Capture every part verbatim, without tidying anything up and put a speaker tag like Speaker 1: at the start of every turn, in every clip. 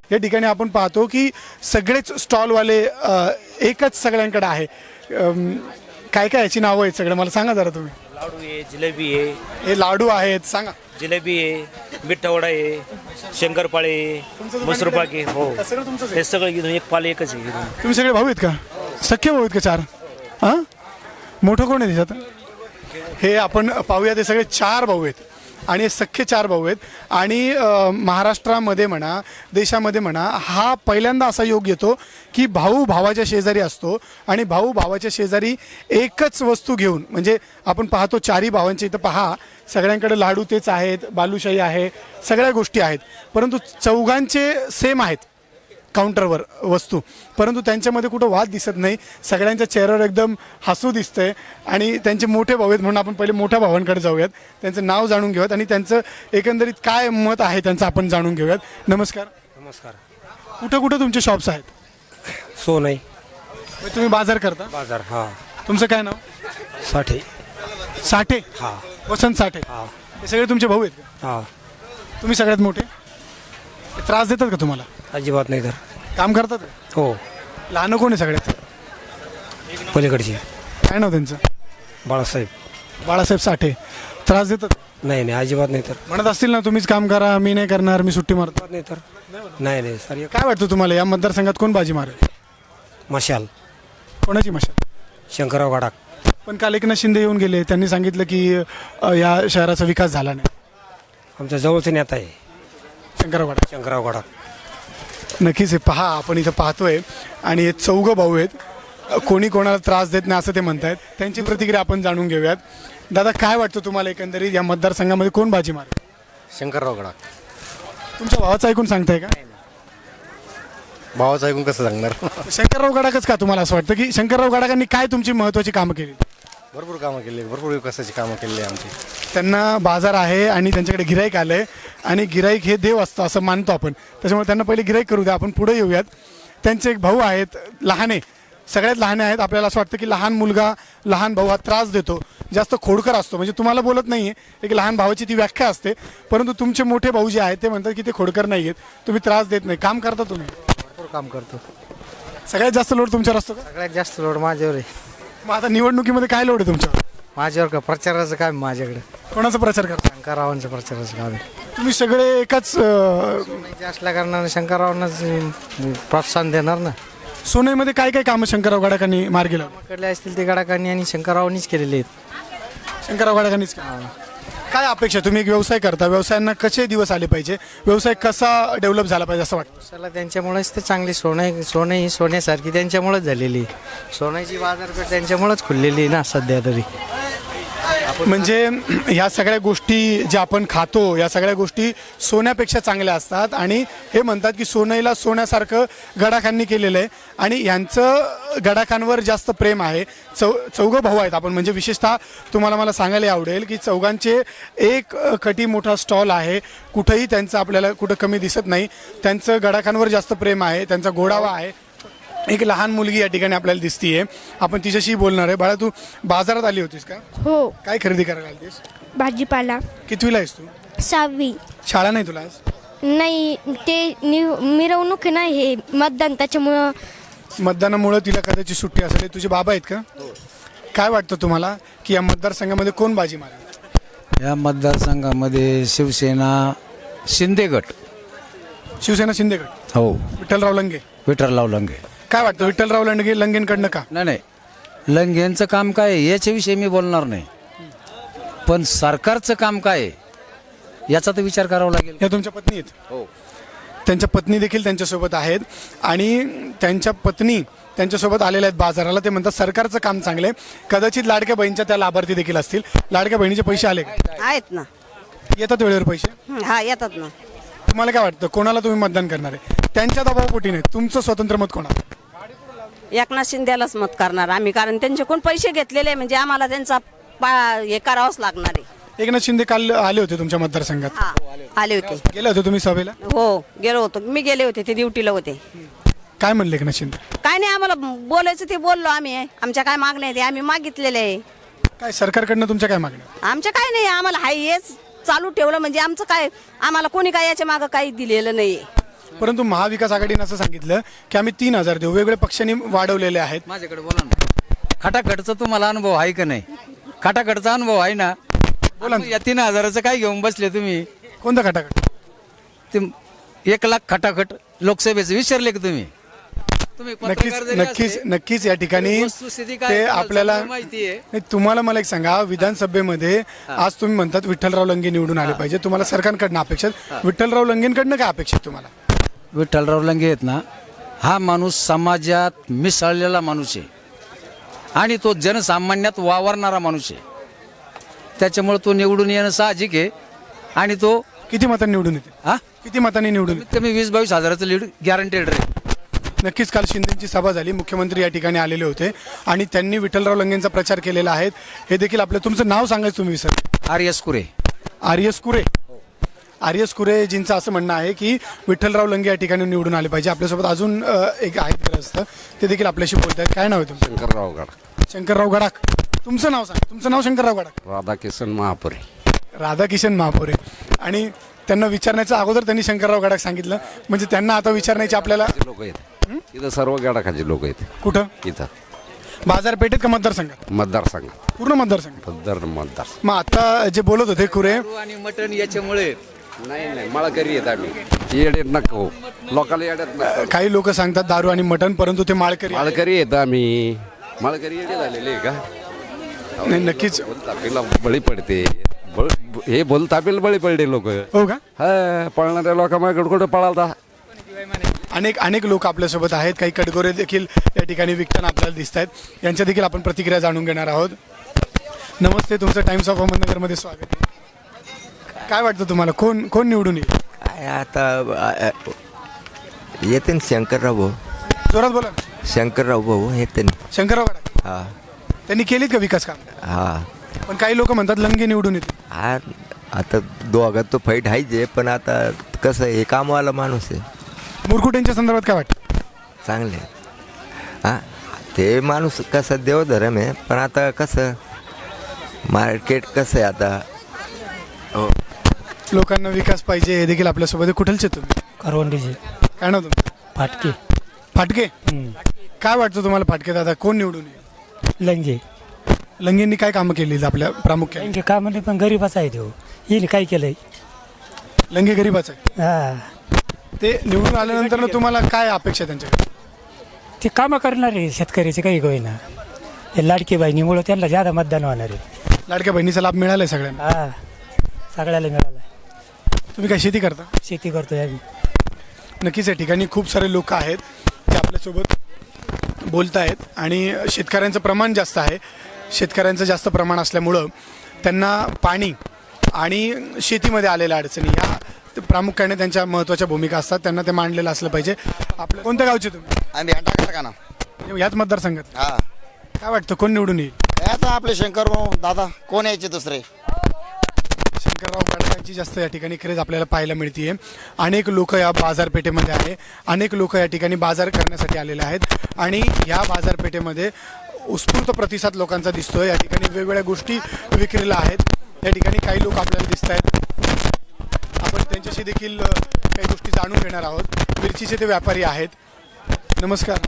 Speaker 1: या ठिकाणी आपण पाहतो की सगळेच स्टॉलवाले एकच सगळ्यांकडे आहे. अम, काय काय याची नावं आहेत सगळं मला सांगा जरा तुम्ही.
Speaker 2: लाडू आहे, जिलेबी आहे,
Speaker 1: हे लाडू आहेत सांगा.
Speaker 2: जिलेबी आहे, मिठा आहे, शंकरपाळे आहे, मसूर पाक आहे. हो,
Speaker 1: हे सगळं तुमचंच आहे?
Speaker 2: हे सगळं घेऊन एक पाले एकच आहे घेऊन.
Speaker 1: तुम्ही सगळे भाऊ आहेत का? सख्खे भाऊ आहेत का चार? हां, मोठं कोण आहे त्याच्यात? हे आपण पाहूया ते सगळे चार भाऊ आहेत आणि हे सख्खे चार भाऊ आहेत. आणि अ, महाराष्ट्रामध्ये म्हणा देशामध्ये म्हणा हा पहिल्यांदा असा योग येतो की भाऊ भावाच्या शेजारी असतो आणि भाऊ भावाच्या शेजारी एकच वस्तू घेऊन, म्हणजे आपण पाहतो चारही भावांच्या इथं पहा सगळ्यांकडे लाडू तेच आहेत, बालुशाही आहे, सगळ्या गोष्टी आहेत, परंतु चौघांचे सेम आहेत काउंटरवर वस्तू, परंतु त्यांच्यामध्ये कुठं वाद दिसत नाही. सगळ्यांच्या चेहऱ्यावर एकदम हसू दिसतंय आणि त्यांचे मोठे भाऊ आहेत म्हणून आपण पहिले मोठ्या भावांकडे जाऊयात, त्यांचं नाव जाणून घेऊयात आणि त्यांचं एकंदरीत काय मत आहे त्यांचं आपण जाणून घेऊयात. नमस्कार.
Speaker 2: नमस्कार.
Speaker 1: कुठं कुठं तुमचे शॉप्स आहेत?
Speaker 2: सोनई
Speaker 1: म्हणजे तुम्ही बाजार करता?
Speaker 2: बाजार. हा.
Speaker 1: तुमचं काय नाव?
Speaker 2: साठी.
Speaker 1: साठे.
Speaker 2: हा.
Speaker 1: वसंत साठे.
Speaker 2: हा.
Speaker 1: हे सगळे तुमचे भाऊ आहेत का?
Speaker 2: हा.
Speaker 1: तुम्ही सगळ्यात मोठे? ते त्रास देतात का तुम्हाला?
Speaker 2: अजिबात नाही तर.
Speaker 1: काम करतात?
Speaker 2: हो.
Speaker 1: लहान कोण आहे सगळ्यात?
Speaker 2: पलीकडची.
Speaker 1: काय नाव त्यांचं?
Speaker 2: बाळासाहेब.
Speaker 1: बाळासाहेब साठे. त्रास देतात?
Speaker 2: नाही नाही, अजिबात नाही तर.
Speaker 1: म्हणत असतील ना तुम्हीच काम करा, मी नाही करणार, मी सुट्टी मारतो.
Speaker 2: नाही तर. नाही नाही सर.
Speaker 1: काय वाटतं तुम्हाला या मतदारसंघात कोण बाजी मारेल?
Speaker 2: मशाल.
Speaker 1: कोणाची मशाल?
Speaker 2: शंकरराव गडाख.
Speaker 1: पण काल एकनाथ शिंदे येऊन गेले, त्यांनी सांगितलं की अ, या शहराचा विकास झाला नाही.
Speaker 2: आमच्या जवळचे नेता आहे
Speaker 1: शंकरराव गडाख.
Speaker 2: शंकरराव गडाख.
Speaker 1: नक्कीच हे पहा, आपण इथं पाहतोय आणि हे चौघं भाऊ आहेत, कोणी कोणाला त्रास देत नाही असं ते म्हणतायत. त्यांची प्रतिक्रिया आपण जाणून घेऊयात. दादा काय वाटतं तुम्हाला एकंदरीत या मतदारसंघामध्ये कोण बाजी मारेल?
Speaker 3: शंकरराव गडाख.
Speaker 1: तुमच्या भावाचं ऐकून सांगताय का?
Speaker 3: भावाचं ऐकून कसं सांगणार?
Speaker 1: शंकरराव गडाखच का तुम्हाला असं वाटतं की शंकरराव गडाखांनी काय तुमची महत्त्वाची कामं केली?
Speaker 3: भरपूर कामं केली, भरपूर विकासाची कामं केली आमची.
Speaker 1: त्यांना बाजार आहे आणि त्यांच्याकडे गिराईक आलंय आणि गिराईक हे देव असतं असं मानतो आपण, त्याच्यामुळे त्यांना पहिले गिराईक करू द्या, आपण पुढे येऊयात. त्यांचे एक भाऊ आहेत, लहान आहे, सगळ्यात लहान आहेत. आपल्याला असं वाटतं की लहान मुलगा लहान भाऊ हा त्रास देतो, जास्त खोडकर असतो, म्हणजे तुम्हाला बोलत नाही आहे एक लहान भावाची ती व्याख्या असते, परंतु तुमचे मोठे भाऊ जे आहेत ते म्हणतात की ते खोडकर नाही आहेत, तुम्ही त्रास देत नाही, काम करता तुम्ही.
Speaker 3: भरपूर काम करतो.
Speaker 1: सगळ्यात जास्त लोड तुमच्यावर असतो का?
Speaker 3: सगळ्यात जास्त लोड माझ्यावर आहे.
Speaker 1: मग आता निवडणुकीमध्ये काय लोड आहे तुमच्यावर?
Speaker 3: माझ्यावर का प्रचाराचं काम आहे माझ्याकडे.
Speaker 1: कोणाचा प्रचार करता?
Speaker 3: शंकररावांचं प्रचाराचं काम आहे.
Speaker 1: तुम्ही सगळे एकाच अं,
Speaker 3: सोन्याचे असल्या कारणाने शंकररावांनाच प्रोत्साहन देणार ना.
Speaker 1: सोनईमध्ये काय काय कामं शंकरराव गडाखांनी मार्गी लावली?
Speaker 3: कडले असतील ते गडाखांनी आणि शंकररावांनीच केलेले आहेत.
Speaker 1: शंकरराव गडाखांनीच का? काय अपेक्षा? तुम्ही एक व्यवसाय करता, व्यवसायांना कसे दिवस आले पाहिजे, व्यवसाय कसा डेव्हलप झाला पाहिजे असं वाटतं?
Speaker 3: चला त्यांच्यामुळेच ते चांगली सोनं सोनं ही सोन्यासारखी त्यांच्यामुळेच झालेली. सोन्याची बाजारपेठ त्यांच्यामुळेच खुललेली आहे ना सध्या तरी.
Speaker 1: म्हणजे ह्या सगळ्या गोष्टी ज्या आपण खातो या सगळ्या गोष्टी सोन्यापेक्षा चांगल्या असतात आणि हे म्हणतात की सोनईला सोन्यासारखं गडाखांनी केलेलं आहे आणि ह्यांचं गडाखांवर जास्त प्रेम आहे. चौ चौघं भाऊ आहेत आपण, म्हणजे विशेषतः तुम्हाला मला सांगायला आवडेल की चौघांचे एक कटी मोठा स्टॉल आहे, कुठंही त्यांचं आपल्याला कुठं कमी दिसत नाही. त्यांचं गडाखांवर जास्त प्रेम आहे, त्यांचा गोडावा आहे. एक लहान मुलगी या ठिकाणी आपल्याला दिसतीये, आपण तिच्याशी बोलणार आहे. बाळा तू बाजारात आली होतीस का?
Speaker 4: हो.
Speaker 1: काय खरेदी करायला आलीस?
Speaker 4: भाजीपाला.
Speaker 1: कितवीला आहेस तू?
Speaker 4: सहावी.
Speaker 1: शाळा नाही तुला आज?
Speaker 4: नाही, ते नि- मिरवणूक आहे ना, हे मतदान, त्याच्यामुळं.
Speaker 1: मतदानामुळे तिला कदाचित सुट्टी असेल. हे तुझे बाबा आहेत का? काय वाटतं तुम्हाला की या मतदारसंघामध्ये कोण बाजी मारेल?
Speaker 5: या मतदारसंघामध्ये शिवसेना शिंदे गट.
Speaker 1: शिवसेना शिंदे गट.
Speaker 5: हो.
Speaker 1: विठ्ठलराव लंगे.
Speaker 5: विठ्ठलराव लंगे.
Speaker 1: काय वाटतं विठ्ठलराव लंगे लंगेंकडनं का?
Speaker 5: नाही नाही, लंगेंचं काम काय आहे याच्याविषयी मी बोलणार नाही, पण सरकारचं काम काय आहे याचा तर विचार करावा लागेल.
Speaker 1: या तुमच्या पत्नी आहेत?
Speaker 5: हो.
Speaker 1: त्यांच्या पत्नी देखील त्यांच्यासोबत आहेत आणि त्यांच्या पत्नी त्यांच्यासोबत आलेल्या आहेत बाजाराला. ते म्हणतात सरकारचं काम चांगलं आहे. कदाचित लाडक्या बहिणीच्या त्या लाभार्थी देखील असतील. लाडक्या बहिणीचे पैसे आले का?
Speaker 6: आहेत ना.
Speaker 1: येतात वेळेवर पैसे?
Speaker 6: हं, हा येतात ना.
Speaker 1: तुम्हाला काय वाटतं कोणाला तुम्ही मतदान करणार आहे? त्यांच्या दबावपोटी नाही, तुमचं स्वतंत्र मत कोणाला?
Speaker 6: एकनाथ शिंदेलाच मत करणार आम्ही, कारण त्यांच्याकडून पैसे घेतलेले म्हणजे आम्हाला त्यांचा पा हे करावंच लागणार आहे.
Speaker 1: एकनाथ शिंदे काल आले होते तुमच्या मतदारसंघात,
Speaker 6: हा आले होते.
Speaker 1: गेले होते तुम्ही सभेला?
Speaker 6: हो गेलो होतो, मी गेले होते, ते ड्युटीला होते.
Speaker 1: काय म्हणले एकनाथ शिंदे?
Speaker 6: काय नाही, आम्हाला बोलायचं ते बोललो आम्ही. आमच्या काय मागण्या ते आम्ही मागितलेले आहे.
Speaker 1: काय सरकारकडनं तुमच्या काय मागण्या?
Speaker 6: आमच्या काय नाही, आम्हाला हाय हेच चालू ठेवलं म्हणजे आमचं काय, आम्हाला कोणी काय याच्या मागं काही दिलेलं नाही.
Speaker 1: परंतु महाविकास आघाडीनं असं सांगितलं की आम्ही तीन हजार देऊ. वेगवेगळ्या पक्षांनी वाढवलेले आहेत.
Speaker 5: माझ्याकडे बोला ना. खटाखटचा तुम्हाला अनुभव आहे का नाही? खटाखटचा अनुभव आहे ना? बोला ना. या तीन हजाराचं काय घेऊन बसले तुम्ही?
Speaker 1: कोणता खटाखट?
Speaker 5: ते एक लाख खटाखट लोकसभेचं विसरले का तुम्ही? तुम्ही
Speaker 1: नक्कीच
Speaker 5: पत्रकार जरी
Speaker 1: नक्कीच
Speaker 5: असले,
Speaker 1: नक्कीच या ठिकाणी
Speaker 5: वस्तुस्थिती काय
Speaker 1: ते
Speaker 5: तुम्हाला
Speaker 1: आपल्याला
Speaker 5: चांगलं माहिती आहे.
Speaker 1: नाही, तुम्हाला मला एक सांगा, विधानसभेमध्ये आज तुम्ही म्हणतात विठ्ठलराव लंगे निवडून आले पाहिजे, तुम्हाला सरकारकडनं अपेक्षित, विठ्ठलराव लंगेंकडनं काय अपेक्षित तुम्हाला?
Speaker 5: विठ्ठलराव लंगे आहेत ना, हा माणूस समाजात मिसळलेला माणूस आहे आणि तो जनसामान्यात वावरणारा माणूस आहे. त्याच्यामुळे तो निवडून येणं साहजिक आहे. आणि तो
Speaker 1: किती मतांनी निवडून येते?
Speaker 5: हा
Speaker 1: किती मतांनी निवडून येते?
Speaker 5: कमी वीस बावीस हजाराचं लीड गॅरंटेड राहील.
Speaker 1: नक्कीच काल शिंदेची सभा झाली, मुख्यमंत्री या ठिकाणी आलेले होते आणि त्यांनी विठ्ठलराव लंगेंचा प्रचार केलेला आहे. हे देखील आपलं, तुमचं नाव सांगायचं तुम्ही विसरले.
Speaker 5: R S Kure.
Speaker 1: R S Kure. R S कुरेजींचं असं म्हणणं आहे की विठ्ठलराव लंगे या ठिकाणी निवडून आले पाहिजे. आपल्यासोबत अजून अ, एक आहेत ग्रस्त, ते देखील आपल्याशी बोलत आहेत. काय नाव आहे तुमचं?
Speaker 7: शंकरराव गडाख.
Speaker 1: शंकरराव गडाख. तुमचं नाव सांग. तुमचं नाव शंकरराव गडाख.
Speaker 7: राधाकिशन महापुरे.
Speaker 1: राधाकिशन महापुरे. आणि त्यांना विचारण्याच्या अगोदर त्यांनी शंकरराव गडाख सांगितलं, म्हणजे त्यांना आता विचारण्याची आपल्याला
Speaker 7: लोक आहेत इथं, सर्व गडाखाचे लोक आहेत
Speaker 1: कुठं?
Speaker 7: इथं
Speaker 1: बाजारपेठेत का मतदारसंघात?
Speaker 7: मतदारसंघात.
Speaker 1: पूर्ण मतदारसंघ.
Speaker 7: मतदार मतदार
Speaker 1: मग आता जे बोलत होते कुरे,
Speaker 5: आणि मटण याच्यामुळे
Speaker 7: नाही नाही माळकरी आहेत आम्ही. येडेत नको लोकांना येड्यात नको.
Speaker 1: काही लोक सांगतात दारू आणि मटण, परंतु ते माळकरी आहेत.
Speaker 7: माळकरी आहेत आम्ही. माळकरी येडे झालेले आहे का?
Speaker 1: नाही, नक्कीच.
Speaker 7: बोलतापीला बळी पडते. बळ- हे बोलतापीला बळी पडले लोक.
Speaker 1: हो का?
Speaker 7: हा, पळणाऱ्या लोकांकडे कुठे पळालता.
Speaker 1: अनेक अनेक लोक आपल्यासोबत आहेत. काही कडगोरे देखील या ठिकाणी विकताना आपल्याला दिसत आहेत. यांच्या देखील आपण प्रतिक्रिया जाणून घेणार आहोत. नमस्ते, तुमचं टाइम्स ऑफ अहमदनगरमध्ये स्वागत आहे. काय वाटतं तुम्हाला, कोण कोण निवडून येईल?
Speaker 8: काय आता येते ना शंकरराव भाऊ.
Speaker 1: जोरात बोला ना.
Speaker 8: शंकरराव भाऊ येते ना.
Speaker 1: शंकरराव गडाख.
Speaker 8: हा
Speaker 1: त्यांनी केलीत का विकास काम?
Speaker 8: हा
Speaker 1: पण काही लोक म्हणतात लंगे निवडून येतील.
Speaker 8: हा आता दोघात तो फाईट आहेच आहे, पण आता कसं आहे, कामवाला माणूस आहे,
Speaker 1: मुरकुटेंच्या संदर्भात काय वाटतं?
Speaker 8: चांगले हा. ते माणूस कसं देवधर्म आहे, पण आता कसं मार्केट कसं आहे आता. हो
Speaker 1: लोकांना विकास पाहिजे, हे देखील आपल्यासोबत आहे. कुठलचे तुम्ही?
Speaker 9: करवंडीचे.
Speaker 1: काय नाव तुमचं?
Speaker 9: फाटके.
Speaker 1: फाटके. काय वाटतं तुम्हाला फाटके दादा, कोण निवडून येईल?
Speaker 9: लंगे.
Speaker 1: लंगेंनी काय कामं केली आपल्या प्रामुख्याने?
Speaker 9: लंगे का म्हणजे पण गरीबाचा आहे तो. येईल काय केलंय.
Speaker 1: लंगे गरीबाचं आहे.
Speaker 9: हा
Speaker 1: ते निवडून आल्यानंतर तुम्हाला काय अपेक्षा आहे त्यांच्याकडे?
Speaker 9: ते कामं करणार आहे शेतकऱ्याचे काही होईना. हे लाडकी बहिणीमुळं त्यांना ज्यादा मतदान होणार आहे.
Speaker 1: लाडक्या बहिणीचा लाभ मिळालाय सगळ्यांना?
Speaker 9: हा सगळ्याला मिळाला.
Speaker 1: तुम्ही काय शेती करता?
Speaker 9: शेती करतोय आम्ही.
Speaker 1: नक्कीच या ठिकाणी खूप सारे लोक आहेत ते आपल्यासोबत बोलत आहेत आणि शेतकऱ्यांचं प्रमाण जास्त आहे. शेतकऱ्यांचं जास्त प्रमाण असल्यामुळं त्यांना पाणी आणि शेतीमध्ये आलेल्या अडचणी या प्रामुख्याने त्यांच्या महत्त्वाच्या भूमिका असतात. त्यांना ते मांडलेलं असलं पाहिजे. आपल्या कोणत्या गावचे तुम्ही?
Speaker 10: आम्ही टाकणार का ना.
Speaker 1: याच मतदारसंघात
Speaker 10: हा
Speaker 1: काय वाटतं, कोण निवडून येईल?
Speaker 10: काय आता आपले शंकर दादा कोण यायचे दुसरे.
Speaker 1: शंकरराव गडाखांची जास्त या ठिकाणी क्रेज आपल्याला पाहायला मिळते. अनेक लोक या बाजारपेठेमध्ये आहे. अनेक लोक या ठिकाणी बाजार करण्यासाठी आलेले आहेत आणि या बाजारपेठेमध्ये उत्स्फूर्त प्रतिसाद लोकांचा दिसतोय. या ठिकाणी वेगवेगळ्या गोष्टी विक्रीला आहेत. या ठिकाणी काही लोक आपल्याला दिसत आहेत. आपण त्यांच्याशी देखील काही गोष्टी जाणून घेणार आहोत. मिरचीचे ते व्यापारी आहेत. नमस्कार.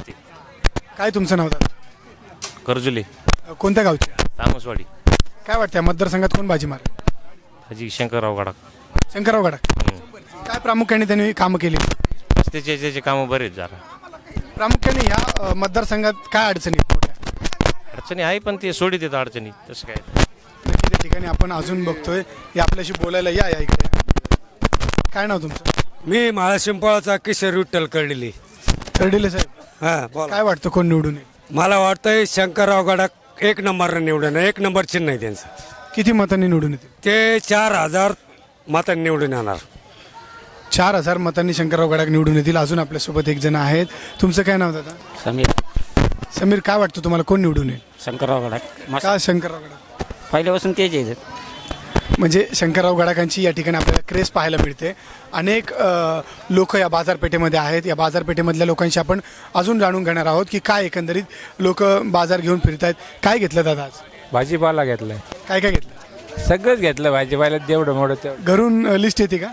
Speaker 1: काय तुमचं नाव दादा?
Speaker 2: कर्जुले.
Speaker 1: कोणत्या गावचे?
Speaker 2: तामसवाडी.
Speaker 1: काय वाटतं मतदारसंघात कोण बाजी मार?
Speaker 2: हाजी शंकरराव गडाख.
Speaker 1: शंकरराव गडाख. काय प्रामुख्याने त्यांनी कामं केली?
Speaker 2: त्याचे त्याचे कामं बरेच जरा.
Speaker 1: प्रामुख्याने या अ, मतदारसंघात काय अडचणी आहेत मोठ्या?
Speaker 2: अडचणी आहे पण ते सोडित येतात अडचणी, तसं काय.
Speaker 1: नक्की त्या ठिकाणी आपण अजून बघतोय. या आपल्याशी बोलायला या या इकडे. काय नाव तुमचं?
Speaker 11: मी महाशिंपळाचा किशोर विठ्ठल कळलेली.
Speaker 1: कर्डिले साहेब,
Speaker 11: हा बोला.
Speaker 1: काय वाटतं कोण निवडून येईल?
Speaker 11: मला वाटतंय शंकरराव गडाख एक नंबरनं निवडून, एक नंबर चिन्ह आहे त्यांचं.
Speaker 1: किती मतांनी निवडून येतील?
Speaker 11: ते चार हजार मतांनी निवडून येणार.
Speaker 1: चार हजार मतांनी शंकरराव गडाख निवडून येतील. अजून आपल्यासोबत एक जण आहेत. तुमचं काय नाव दादा?
Speaker 9: समीर.
Speaker 1: समीर, काय वाटतं तुम्हाला कोण निवडून येईल?
Speaker 9: शंकरराव गडाख.
Speaker 1: का शंकरराव गडाख?
Speaker 9: पहिल्यापासून तेच आहे.
Speaker 1: म्हणजे शंकरराव गडाखांची या ठिकाणी आपल्याला क्रेज पाहायला मिळते. अनेक लोक या बाजारपेठेमध्ये आहेत. या बाजारपेठेमधल्या लोकांशी आपण अजून जाणून घेणार आहोत की काय एकंदरीत लोक बाजार घेऊन फिरत आहेत. काय घेतलं दादा आज?
Speaker 11: भाजीपाला घेतलाय.
Speaker 1: काय काय घेतलं?
Speaker 11: सगळंच घेतलं भाजीपाला, जेवढं मोठं तेवढं.
Speaker 1: घरून लिस्ट येते का?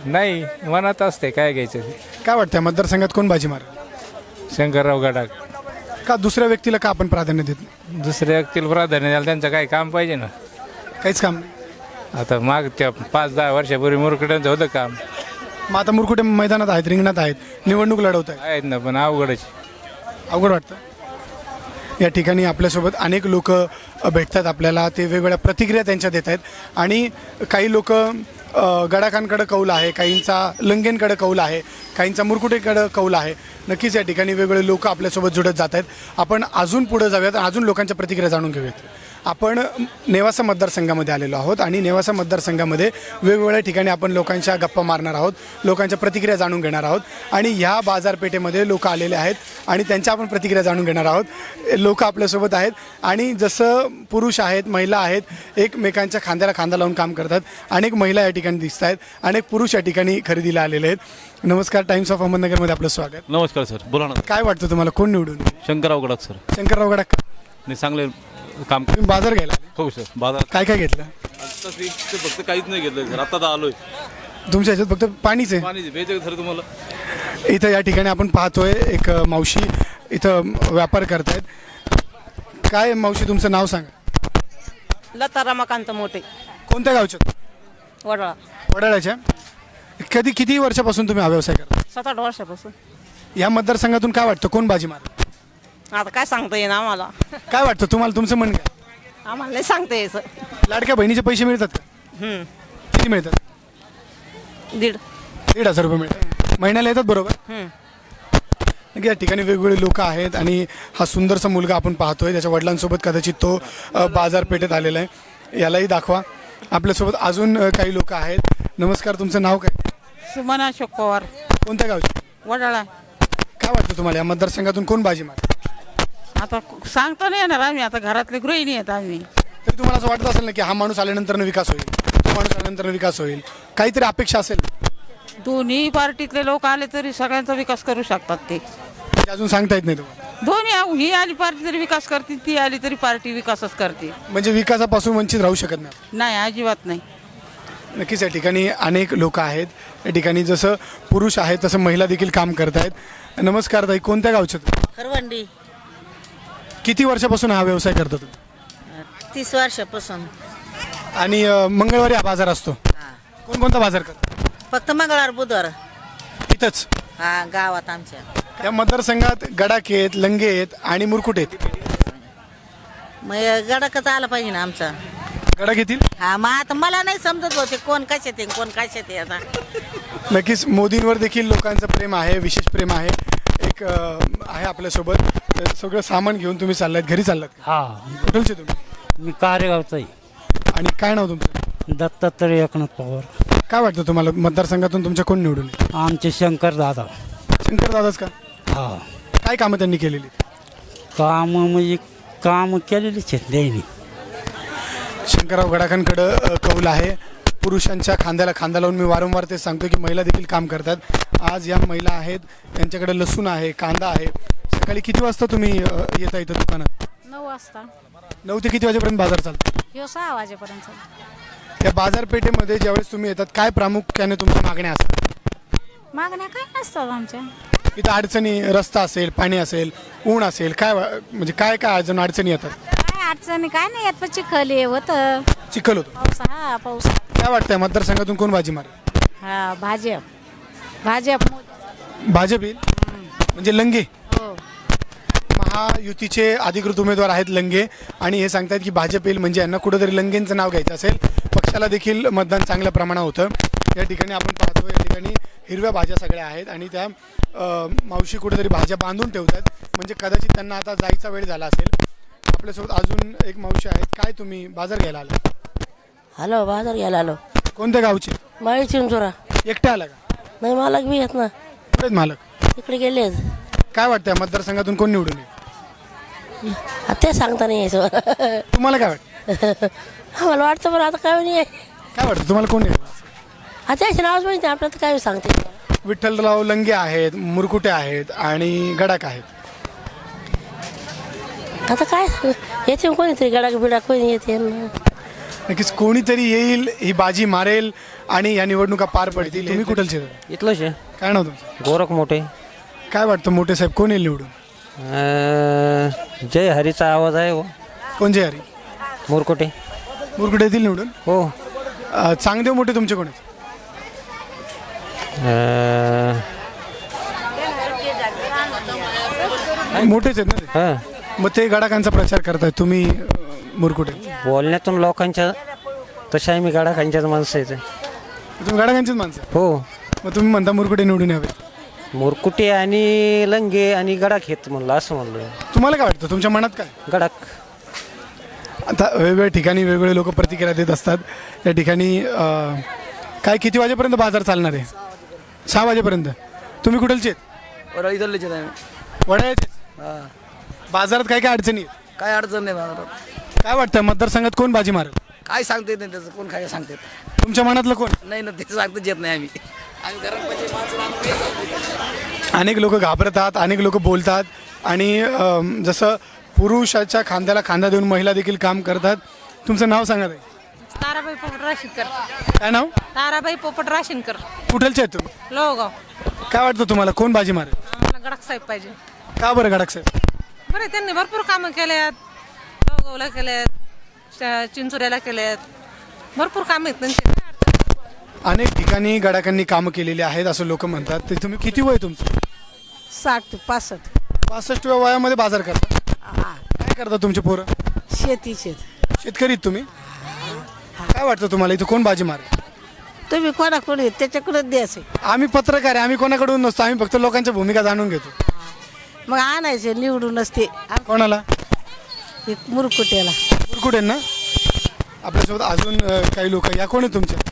Speaker 9: नाही मनात असते काय घ्यायचं ते.
Speaker 1: काय वाटतं मतदारसंघात कोण बाजी मारेल?
Speaker 9: शंकरराव गडाख.
Speaker 1: का दुसऱ्या व्यक्तीला का आपण प्राधान्य देत नाही?
Speaker 9: दुसऱ्या व्यक्तीला प्राधान्य द्यायला त्यांचं काही काम पाहिजे ना.
Speaker 1: काहीच काम नाही.
Speaker 9: आता माग त्या पाच दहा वर्षापूर्वी मुरकड्यांचं होतं काम.
Speaker 1: मग आता मुरकुटे मैदानात आहेत, रिंगणात आहेत, निवडणूक लढवत आहेत,
Speaker 9: आहेत ना पण अवघडच.
Speaker 1: अवघड वाटतं. या ठिकाणी आपल्यासोबत अनेक लोक भेटतात आपल्याला, ते वेगवेगळ्या प्रतिक्रिया त्यांच्या देत आहेत. आणि काही लोक गडाखांकडे कौल आहे, काहींचा लंगेंकडे कौल आहे, काहींचा मुरकुटेकडे कौल आहे. नक्कीच या ठिकाणी वेगवेगळे लोक आपल्यासोबत जुळत जात आहेत. आपण अजून पुढे जाऊयात, अजून लोकांच्या प्रतिक्रिया जाणून घेऊयात. आपण नेवासा मतदारसंघामध्ये आलेलो आहोत आणि नेवासा मतदारसंघामध्ये वेगवेगळ्या ठिकाणी आपण लोकांच्या गप्पा मारणार आहोत, लोकांच्या प्रतिक्रिया जाणून घेणार आहोत. आणि ह्या बाजारपेठेमध्ये लोक आलेले आहेत आणि त्यांच्या आपण प्रतिक्रिया जाणून घेणार आहोत. लोक आपल्यासोबत आहेत आणि जसं पुरुष आहेत, महिला आहेत, एकमेकांच्या खांद्याला खांदा लावून काम करतात. अनेक महिला या ठिकाणी दिसत आहेत, अनेक पुरुष या ठिकाणी खरेदीला आलेले आहेत. नमस्कार, टाइम्स ऑफ अहमदनगरमध्ये आपलं स्वागत.
Speaker 2: नमस्कार सर, बोला ना.
Speaker 1: काय वाटतं तुम्हाला, कोण निवडून येईल?
Speaker 2: शंकरराव गडाख सर.
Speaker 1: शंकरराव गडाख.
Speaker 2: नाही चांगले काम.
Speaker 1: तुम्ही बाजार घ्यायला आले?
Speaker 2: हो सर. बाजार
Speaker 1: काय काय घेतलं?
Speaker 2: फक्त काहीच नाही घेतलं सर, आता आलोय.
Speaker 1: तुमच्या ह्याच्यात फक्त पाणीच आहे?
Speaker 2: पाणी भेटायचं सर तुम्हाला.
Speaker 1: इथं या ठिकाणी आपण पाहतोय एक मावशी इथं व्यापार करतायत. काय मावशी, तुमचं नाव सांगा.
Speaker 6: लता रमाकांत मोठे,
Speaker 1: कोणत्या गावच्या?
Speaker 6: वडळा.
Speaker 1: वडाळ्याच्या. कधी किती वर्षापासून तुम्ही हा व्यवसाय करता?
Speaker 6: सात आठ वर्षापासून.
Speaker 1: या मतदारसंघातून काय वाटतं, कोण बाजी मारेल?
Speaker 6: आता काय सांगता येईन आम्हाला.
Speaker 1: काय वाटतं तुम्हाला, तुमचं मन काय?
Speaker 6: आम्हाला नाही सांगता यायचं.
Speaker 1: लाडक्या बहिणीचे पैसे मिळतात का?
Speaker 6: हम्म.
Speaker 1: किती मिळतात?
Speaker 6: दीड.
Speaker 1: दीड हजार रुपये मिळतात महिन्याला, येतात बरोबर?
Speaker 6: हम्म.
Speaker 1: या ठिकाणी वेगवेगळे लोक आहेत आणि हा सुंदरसा मुलगा आपण पाहतोय, त्याच्या वडिलांसोबत कदाचित तो अ, बाजारपेठेत आलेला आहे. यालाही दाखवा. आपल्यासोबत अजून अ, काही लोक आहेत. नमस्कार, तुमचं नाव काय?
Speaker 6: सुमना अशोक पवार,
Speaker 1: कोणत्या गावचे?
Speaker 6: वडाळा.
Speaker 1: काय वाटतं तुम्हाला, या मतदारसंघातून कोण बाजी मारेल?
Speaker 6: आता सांगता नाही येणार आम्ही, आता घरातले गृहिणी आहेत आम्ही.
Speaker 1: तरी तुम्हाला असं वाटत असेल ना की हा माणूस आल्यानंतर विकास होईल, तो माणूस आल्यानंतर विकास होईल, काहीतरी अपेक्षा असेल?
Speaker 6: दोन्ही पार्टीतले लोक आले तरी सगळ्यांचा विकास करू शकतात ते.
Speaker 1: ते अजून सांगता येत नाही तुम्हाला?
Speaker 6: दोन्ही, ही आली पार्टी तरी विकास करते, ती आली तरी पार्टी विकासच करते.
Speaker 1: म्हणजे विकासापासून वंचित राहू शकत नाही?
Speaker 6: नाही, अजिबात नाही.
Speaker 1: नक्कीच या ठिकाणी अनेक लोक आहेत. या ठिकाणी जसं पुरुष आहेत तसं महिला देखील काम करत आहेत. नमस्कार ताई, कोणत्या गावचे?
Speaker 12: खरवंडी.
Speaker 1: किती वर्षापासून हा व्यवसाय करता तुम्ही?
Speaker 12: तीस वर्षापासून.
Speaker 1: आणि अ, मंगळवारी हा बाजार असतो. कोणकोणता बाजार करतो?
Speaker 12: फक्त मंगळवार बुधवार
Speaker 1: इथंच
Speaker 12: हा गावात आमच्या.
Speaker 1: या मतदारसंघात गडाखे आहेत, लंगे आहेत आणि मुरकुटे आहेत.
Speaker 12: मग गडाकच आला पाहिजे ना आमचा.
Speaker 1: गडा घेतील?
Speaker 12: हा, मग आता मला नाही समजत होते कोण कशात आहे कोण कशात आहे. आता
Speaker 1: नक्कीच मोदींवर देखील लोकांचं प्रेम आहे, विशेष प्रेम आहे. एक अ, आहे आपल्यासोबत. तर सगळं सामान घेऊन तुम्ही चाललात, घरी चाललात?
Speaker 9: हा,
Speaker 1: कुठलचे तुम्ही?
Speaker 9: मी कार्यगावचा आहे.
Speaker 1: आणि काय नाव तुमचं?
Speaker 9: दत्तात्रय एकनाथ पवार.
Speaker 1: काय वाटतं तुम्हाला, मतदारसंघातून तुमच्या कोण निवडून येईल?
Speaker 9: आमचे शंकर दादा.
Speaker 1: शंकर दादाच का?
Speaker 9: हा,
Speaker 1: काय कामं त्यांनी केलेली?
Speaker 9: काम म्हणजे काम केलेलीच आहेत त्यांनी.
Speaker 1: शंकरराव गडाखांकडं कौल आहे. पुरुषांच्या खांद्याला खांदा लावून मी वारंवार ते सांगतो की महिला देखील काम करतात. आज या महिला आहेत, त्यांच्याकडे लसूण आहे, कांदा आहे. सकाळी किती वाजता तुम्ही अ, येता इथं दुकानात?
Speaker 4: नऊ वाजता.
Speaker 1: नऊ ते किती वाजेपर्यंत बाजार चालतो?
Speaker 4: ह्यो सहा वाजेपर्यंत.
Speaker 1: या बाजारपेठेमध्ये ज्यावेळेस तुम्ही येतात, काय प्रामुख्याने तुमच्या मागण्या असतात?
Speaker 4: मागण्या काय नसतात आमच्या.
Speaker 1: इथं अडचणी, रस्ता असेल, पाणी असेल, ऊन असेल, काय वा- म्हणजे काय काय अजून अडचणी येतात?
Speaker 4: काय अडचणी काय नाही येत, पण चिखल हे होतं.
Speaker 1: चिखल होतो.
Speaker 4: पाऊस, हा पाऊस.
Speaker 1: काय वाटतंय मतदारसंघातून कोण बाजी मारेल?
Speaker 4: हा, भाजप. भाजप. मोदी.
Speaker 1: भाजप येईल? म्हणजे लंगे?
Speaker 4: हो.
Speaker 1: महायुतीचे अधिकृत उमेदवार आहेत लंगे, आणि हे सांगतात की भाजप येईल, म्हणजे यांना कुठंतरी लंगेंचं नाव घ्यायचं असेल. पक्षाला देखील मतदान चांगल्या प्रमाणात होतं. या ठिकाणी आपण पाहतो, या ठिकाणी हिरव्या भाज्या सगळ्या आहेत आणि त्या अ, मावशी कुठेतरी भाज्या बांधून ठेवतात, म्हणजे कदाचित त्यांना आता जायचा वेळ झाला असेल. आपल्यासोबत अजून एक मावशी आहेत. काय तुम्ही बाजार घ्यायला आला?
Speaker 12: हॅलो, बाजार घ्यायला आलो.
Speaker 1: कोणत्या गावचे?
Speaker 12: माळी चिंचोरा.
Speaker 1: एकटे आला का?
Speaker 12: नाही, मालक बी येत ना.
Speaker 1: कुठे आहेत मालक?
Speaker 12: तिकडे गेले.
Speaker 1: काय वाटतं मतदारसंघातून कोण निवडून येईल?
Speaker 12: ते सांगता नाही यायचं.
Speaker 1: तुम्हाला काय वाटतं?
Speaker 12: आम्हाला वाटतं बरं, आता काय नाही.
Speaker 1: काय वाटतं तुम्हाला कोण येईल?
Speaker 12: आता याचे नावच माहिती आपल्याला, काय सांगते.
Speaker 1: विठ्ठलराव लंगे आहेत, मुरकुटे आहेत आणि गडाख आहेत.
Speaker 12: आता काय येते कोणीतरी गडाक बिडाक कोणी येते.
Speaker 1: नक्कीच कोणीतरी येईल, ही बाजी मारेल आणि या निवडणुका पार पडतील. तुम्ही कुठलचे दादा?
Speaker 3: इथलंच आहे
Speaker 1: काय नाव तुमचं?
Speaker 3: गोरख मोठे.
Speaker 1: काय वाटतं मोठे साहेब कोण येईल निवडून?
Speaker 3: जय हरीचा आवाज आहे हो.
Speaker 1: कोण जे हरी?
Speaker 3: मोरकोटे.
Speaker 1: मुरकुटे येतील निवडून?
Speaker 3: हो.
Speaker 1: अ, चांगदेव मोठे तुमचे कोण आहेत? मोठेच आहेत ना ते?
Speaker 3: हां.
Speaker 1: मग ते गडाखांचा प्रचार करताय तुम्ही, अ, मुरकुटे.
Speaker 3: बोलण्यातून लोकांच्या तशा आहे मी गाडाखांच्याच माणसं आहे.
Speaker 1: तुम्ही गडाखांचीच माणसं आहे.
Speaker 3: हो.
Speaker 1: मग तुम्ही म्हणता मुरकुटे निवडून यावे.
Speaker 3: मोरकुटे आणि लंगे आणि गडाख घेत म्हणलं असं म्हणलं.
Speaker 1: तुम्हाला काय वाटतं, तुमच्या मनात काय?
Speaker 3: गडाख.
Speaker 1: आता वेगवेगळ्या ठिकाणी वेगवेगळे लोक प्रतिक्रिया देत असतात. या ठिकाणी अ, काय किती वाजेपर्यंत बाजार चालणार आहे? सहा वाजेपर्यंत. तुम्ही कुठलचे आहेत? वडाळ्याचे. बाजारात काय काय अडचणी आहेत?
Speaker 3: काय अडचण नाही बाजारात.
Speaker 1: काय वाटतं मतदारसंघात कोण बाजी मारेल?
Speaker 3: काय सांगते नाही त्याचं, कोण काय सांगते
Speaker 1: तुमच्या मनातलं कोण?
Speaker 3: नाही ना, ते सांगताच येत नाही आम्ही.
Speaker 1: अनेक लोक घाबरतात, अनेक लोक बोलतात आणि अम, जसं पुरुषाच्या खांद्याला खांदा देऊन महिला देखील काम करतात. तुमचं नाव सांगा ताई.
Speaker 12: ताराबाई पोपट राशीनकर.
Speaker 1: काय नाव?
Speaker 12: ताराबाई पोपट राशीनकर.
Speaker 1: कुठलचे आहेत तुम्ही?
Speaker 12: लोहगाव.
Speaker 1: काय वाटतं तुम्हाला कोण बाजी मारेल?
Speaker 12: आम्हाला गडाख साहेब पाहिजे.
Speaker 1: का बरं गडाख साहेब?
Speaker 12: बरं, त्यांनी भरपूर कामं केल्यात. लोहगावला केल्यात, च- चिंचोऱ्याला केल्यात. भरपूर कामं आहेत त्यांची. काय अडचण नाही.
Speaker 1: अनेक ठिकाणी गडाखांनी कामं केलेली आहेत असं लोक म्हणतात. ते तुम्ही किती वय तुमचं?
Speaker 12: साठ ते पासष्ट.
Speaker 1: पासष्टव्या वयामध्ये बाजार करता? काय करता तुमचे पोरं?
Speaker 12: शेतीचे.
Speaker 1: शेतकरी आहेत तुम्ही? काय वाटतं तुम्हाला इथं कोण बाजी मारेल?
Speaker 12: तुम्ही कोणाकडे त्याच्याकडे द्यायचे.
Speaker 1: आम्ही पत्रकार आहे, आम्ही कोणाकडून नसतो, आम्ही फक्त लोकांच्या भूमिका जाणून घेतो.
Speaker 12: मग आणायचे निवडूनच ते.
Speaker 1: कोणाला?
Speaker 12: एक मुरकुट्याला.
Speaker 1: कुठे ना आपल्यासोबत अजून अ, काही लोक. या कोण आहे तुमच्या?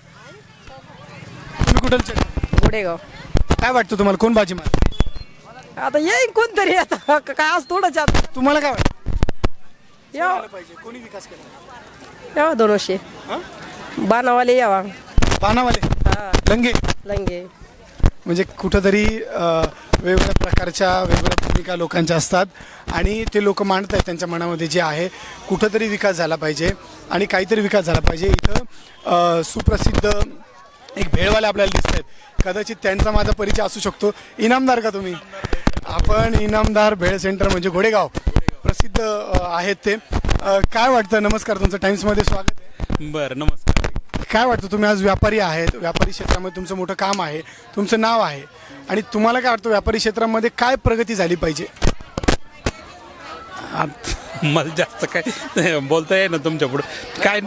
Speaker 1: तुम्ही कुठलचे?
Speaker 6: गुडेगाव.
Speaker 1: काय वाटतं तुम्हाला कोण बाजी मारेल?
Speaker 6: आता येईन कोणतरी, आता काय आज थोडंच आता
Speaker 1: तुम्हाला काय वाटतं?
Speaker 6: यावं
Speaker 1: पाहिजे कोणी विकास केला?
Speaker 6: यावा दोन वर्षे बाणावाले यावा.
Speaker 1: बाणावाले, लंगे.
Speaker 6: लंगे.
Speaker 1: म्हणजे कुठंतरी अ, वेगवेगळ्या प्रकारच्या वेगवेगळ्या भूमिका लोकांच्या असतात आणि ते लोक मांडत आहेत त्यांच्या मनामध्ये जे आहे. कुठंतरी विकास झाला पाहिजे आणि काहीतरी विकास झाला पाहिजे. इथं अ, सुप्रसिद्ध एक भेळवाले आपल्याला दिसत आहेत. कदाचित त्यांचा माझा परिचय असू शकतो. इनामदार का तुम्ही? आपण इनामदार भेळ सेंटर म्हणजे घोडेगाव प्रसिद्ध अ, आहेत ते. अ, काय वाटतं? नमस्कार, तुमचं टाइम्समध्ये स्वागत आहे.
Speaker 2: बरं, नमस्कार.
Speaker 1: काय वाटतं, तुम्ही आज व्यापारी आहेत, व्यापारी क्षेत्रामध्ये तुमचं मोठं काम आहे, तुमचं नाव आहे आणि तुम्हाला काय वाटतं व्यापारी क्षेत्रामध्ये काय प्रगती झाली पाहिजे?
Speaker 2: मला जास्त काय बोलता येईल ना तुमच्या पुढं. काय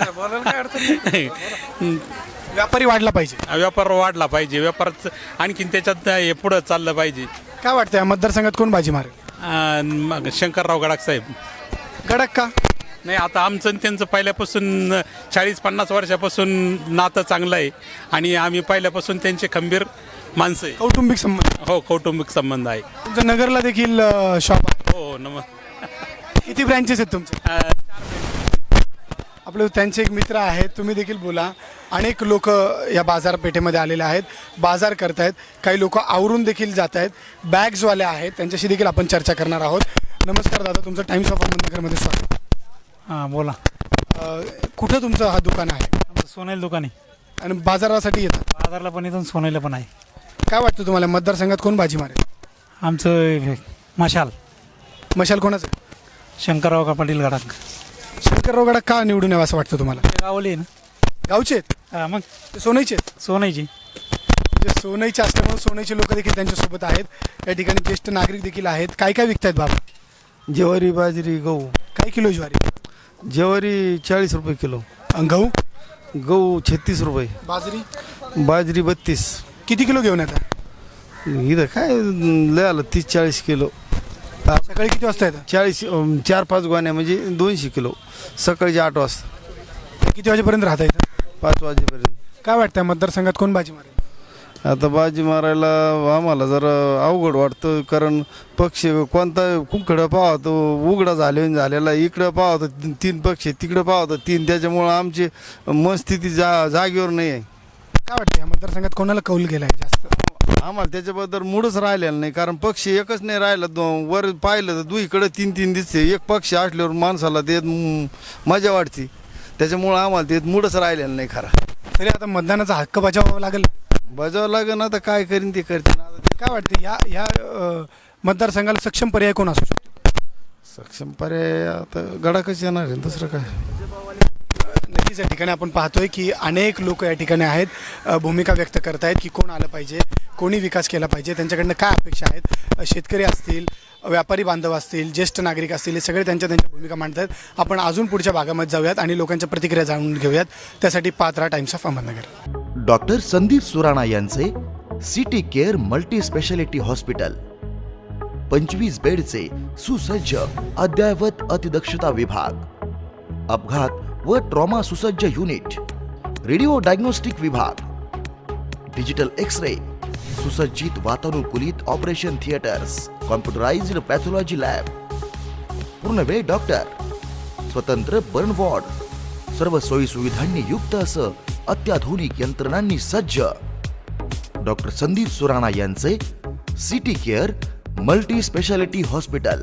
Speaker 1: व्यापारी वाढला पाहिजे,
Speaker 2: व्यापार वाढला पाहिजे, व्यापारात आणखीन त्याच्यात हे पुढं चाललं पाहिजे.
Speaker 1: काय वाटतं या मतदारसंघात कोण बाजी मारेल?
Speaker 2: अन् मग शंकरराव गडाख साहेब.
Speaker 1: गडाख का?
Speaker 2: नाही, आता आमचं आणि त्यांचं पहिल्यापासून चाळीस पन्नास वर्षापासून नातं चांगलं आहे आणि आम्ही पहिल्यापासून त्यांचे खंबीर माणसं आहे.
Speaker 1: कौटुंबिक संबंध.
Speaker 2: हो, कौटुंबिक संबंध आहे.
Speaker 1: तुमचं नगरला देखील शॉप आहे?
Speaker 2: हो, नम
Speaker 1: किती ब्रँचेस आहेत तुमचे?
Speaker 2: अं,
Speaker 1: आपले त्यांचे एक मित्र आहेत, तुम्ही देखील बोला. अनेक लोक या बाजारपेठेमध्ये आलेले आहेत, बाजार करतायत. काही लोक आवरून देखील जात आहेत, बॅग्सवाले आहेत, त्यांच्याशी देखील आपण चर्चा करणार आहोत. नमस्कार दादा, तुमचं टाइम्स ऑफ अहमदनगरमध्ये स्वागत.
Speaker 9: हां बोला.
Speaker 1: अ, कुठं तुमचं हा दुकान आहे?
Speaker 9: आमचं सोनेल दुकान आहे.
Speaker 1: आणि बाजारासाठी येतात?
Speaker 9: बाजारला पण इथून सोनेला पण आहे.
Speaker 1: काय वाटतं तुम्हाला मतदारसंघात कोण बाजी मारेल?
Speaker 9: आमचं मशाल.
Speaker 1: मशाल कोणाचं?
Speaker 9: शंकरराव का पाटील गडाख.
Speaker 1: शंकरराव गडाख का निवडून यावं असं वाटतं तुम्हाला?
Speaker 9: गावली ना.
Speaker 1: गावचे आहेत?
Speaker 9: हां, मग
Speaker 1: ते सोनईचे आहेत?
Speaker 9: सोनाईची.
Speaker 1: म्हणजे सोनईचे असल्यामुळे सोनईचे लोक देखील त्यांच्यासोबत आहेत. या ठिकाणी ज्येष्ठ नागरिक देखील आहेत. काय काय विकतायत बाबा?
Speaker 13: ज्वारी, बाजरी, गहू.
Speaker 1: काय किलो ज्वारी?
Speaker 13: ज्वारी चाळीस रुपये किलो.
Speaker 1: अन गहू?
Speaker 13: गहू छत्तीस रुपये.
Speaker 1: बाजरी?
Speaker 13: बाजरी बत्तीस.
Speaker 1: किती किलो घेऊन येतात?
Speaker 13: इथं काय लय आलं, तीस चाळीस किलो.
Speaker 1: सकाळी किती वाजता येतात?
Speaker 13: चाळीस अं, चार पाच गोण्या म्हणजे दोनशे किलो. सकाळचे आठ वाजता.
Speaker 1: किती वाजेपर्यंत राहता येतं?
Speaker 13: पाच वाजेपर्यंत.
Speaker 1: काय वाटतं मतदारसंघात कोण बाजी मारेल?
Speaker 13: आता बाजी मारायला आम्हाला जरा अवघड वाटतं, कारण पक्ष कोणता कुंकडं पाहतो उघडा झाले झालेला, इकडं पाहतो तीन पक्ष, तिकडं पाहतो तीन, त्याच्यामुळं आमची मनस्थिती जा जागेवर नाही आहे.
Speaker 1: काय वाटतं या मतदारसंघात कोणाला कौल गेलाय जास्त?
Speaker 13: आम्हाला त्याच्याबद्दल मूडच राहिलेला नाही, कारण पक्ष एकच नाही राहिला. दो- वर पाहिलं तर दुईकडे तीन तीन दिसते. एक पक्ष असल्यावर माणसाला ते म- मजा वाटते. त्याच्यामुळं आम्हाला ते मूडच राहिलेलं नाही खरा.
Speaker 1: तरी आता मतदानाचा हक्क बजावावा लागेल.
Speaker 13: बजावं लागेल, आता काय करीन ते करते.
Speaker 1: काय वाटतं या या अ, मतदारसंघाला सक्षम पर्याय कोण असू शकतो?
Speaker 13: सक्षम पर्याय आता गडाकच येणार आहे, दुसरं काय.
Speaker 1: नक्कीच या ठिकाणी आपण पाहतोय की अनेक लोक या ठिकाणी आहेत, अ, भूमिका व्यक्त करतायत की कोण आलं पाहिजे, कोणी विकास केला पाहिजे, त्यांच्याकडनं काय अपेक्षा आहेत. अ, शेतकरी असतील, व्यापारी बांधव असतील, ज्येष्ठ नागरिक असतील, हे सगळे त्यांच्या त्यांच्या भूमिका मांडतात. आपण अजून पुढच्या भागामध्ये जाऊयात आणि लोकांच्या प्रतिक्रिया जाणून घेऊयात. त्यासाठी Patra Times of Ahmednagar.
Speaker 14: Doctor Sandeep Surana यांचे city care multi speciality hospital, पंचवीस बेडचे सुसज्ज अद्ययावत अतिदक्षता विभाग, अपघात व ट्रॉमा सुसज्ज युनिट, रेडिओ डायग्नोस्टिक विभाग, डिजिटल एक्स रे, सुसज्जित वातानुकूलित operation theatres, computerised pathology lab, पूर्णवेळ डॉक्टर, स्वतंत्र बर्न वॉर्ड, सर्व सोयी सुविधांनी युक्त असं अत्याधुनिक यंत्रणांनी सज्ज डॉक्टर संदीप सुराणा यांचे city care multi speciality hospital.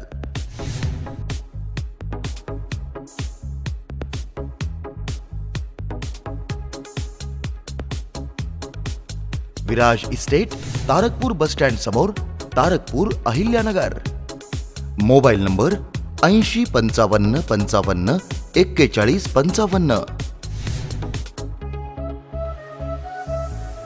Speaker 14: Viraj estate, Tarakpur bus stand समोर, तारकपूर, अहिल्यानगर. मोबाईल नंबर ऐंशी पंचावन्न पंचावन्न एक्केचाळीस पंचावन्न.